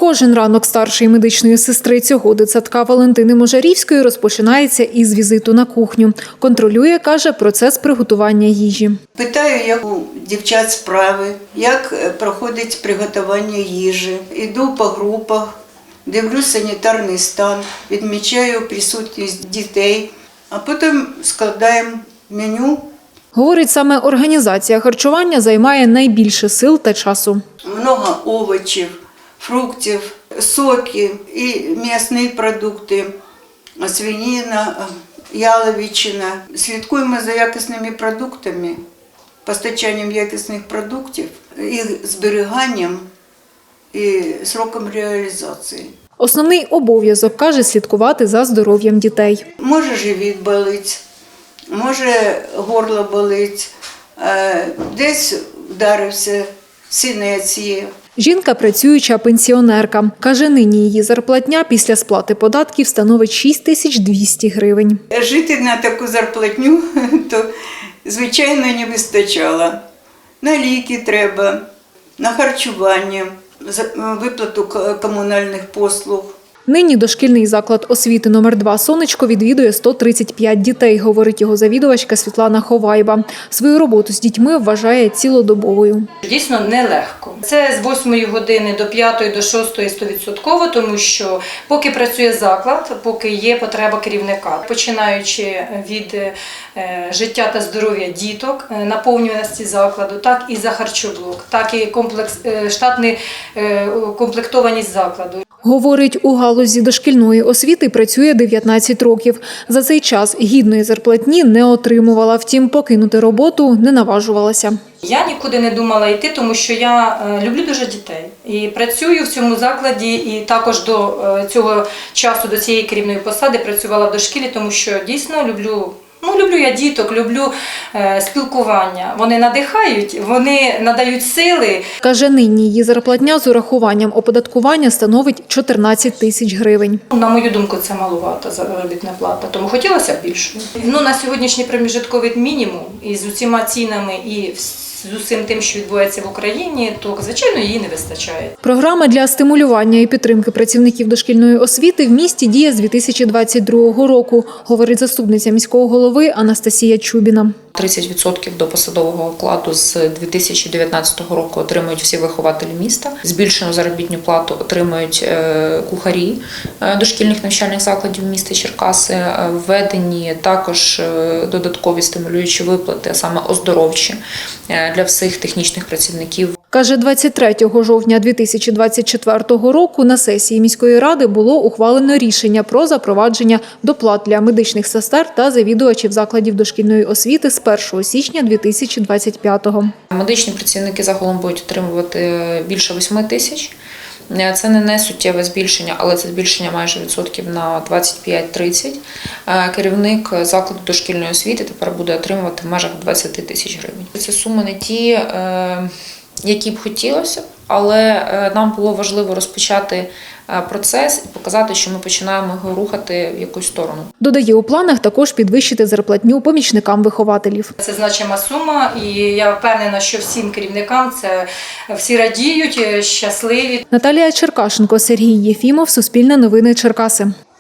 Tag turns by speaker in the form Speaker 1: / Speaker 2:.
Speaker 1: Кожен ранок старшої медичної сестри цього дитсадка Валентини Можарівської розпочинається із візиту на кухню. Контролює, каже, процес приготування їжі.
Speaker 2: Питаю, як у дівчат справи, як проходить приготування їжі. Іду по групах, дивлюсь санітарний стан, відмічаю присутність дітей, а потім складаємо меню.
Speaker 1: Говорить, саме організація харчування займає найбільше сил та часу.
Speaker 2: Много овочів, фруктів, соки і м'ясні продукти, свинина, яловичина. Слідкуємо за якісними продуктами, постачанням якісних продуктів, їх зберіганням і сроком реалізації.
Speaker 1: Основний обов'язок, каже, слідкувати за здоров'ям дітей.
Speaker 2: Може живіт болить, може горло болить, десь вдарився, синець є.
Speaker 1: Жінка – працююча пенсіонерка. Каже, нині її зарплатня після сплати податків становить 6200 гривень.
Speaker 2: Жити на таку зарплатню, то, звичайно, не вистачало. На ліки треба, на харчування, виплату комунальних послуг.
Speaker 1: Нині дошкільний заклад освіти номер 2 «Сонечко» відвідує 135 дітей, говорить його завідувачка Світлана Ховайба. Свою роботу з дітьми вважає цілодобовою.
Speaker 3: Дійсно нелегко. Це з 8 години до 5, до 6 100%, тому що поки працює заклад, поки є потреба керівника. Починаючи від життя та здоров'я діток, наповнюваності закладу, так і за харчоблок, так і штатна комплектованість закладу.
Speaker 1: Говорить, у галузі дошкільної освіти працює 19 років. За цей час гідної зарплатні не отримувала, втім покинути роботу не наважувалася.
Speaker 3: Я нікуди не думала йти, тому що я люблю дуже дітей. І працюю в цьому закладі, і також до цього часу, до цієї керівної посади працювала в дошкілі, тому що дійсно люблю я діток, люблю спілкування. Вони надихають, вони надають сили.
Speaker 1: Каже, нині її зарплатня з урахуванням оподаткування становить 14 тисяч гривень.
Speaker 3: На мою думку, це маловато заробітна плата, тому хотілося б більше. На сьогоднішній проміжутковий мінімум із усіма цінами і з усім тим, що відбувається в Україні, то, звичайно, її не вистачає.
Speaker 1: Програма для стимулювання і підтримки працівників дошкільної освіти в місті діє з 2022 року, говорить заступниця міського голови Анастасія Чубіна.
Speaker 4: 30% до посадового окладу з 2019 року отримують всі вихователі міста. Збільшену заробітну плату отримують кухарі дошкільних навчальних закладів міста Черкаси. Введені також додаткові стимулюючі виплати, а саме оздоровчі, для всіх технічних працівників.
Speaker 1: Каже, 23 жовтня 2024 року на сесії міської ради було ухвалено рішення про запровадження доплат для медичних сестер та завідувачів закладів дошкільної освіти з 1 січня 2025-го.
Speaker 4: Медичні працівники загалом будуть отримувати більше 8 тисяч. Це не суттєве збільшення, але це збільшення майже відсотків на 25-30. Керівник закладу дошкільної освіти тепер буде отримувати в межах 20 тисяч гривень. Це суми не ті, які б хотілося, але нам було важливо розпочати процес і показати, що ми починаємо його рухати в якусь сторону.
Speaker 1: Додає, у планах також підвищити зарплатню помічникам вихователів.
Speaker 3: Це значима сума, і я впевнена, що всім керівникам це всі радіють, щасливі.
Speaker 1: Наталія Черкашенко, Сергій Єфімов, Суспільне новини Черкаси.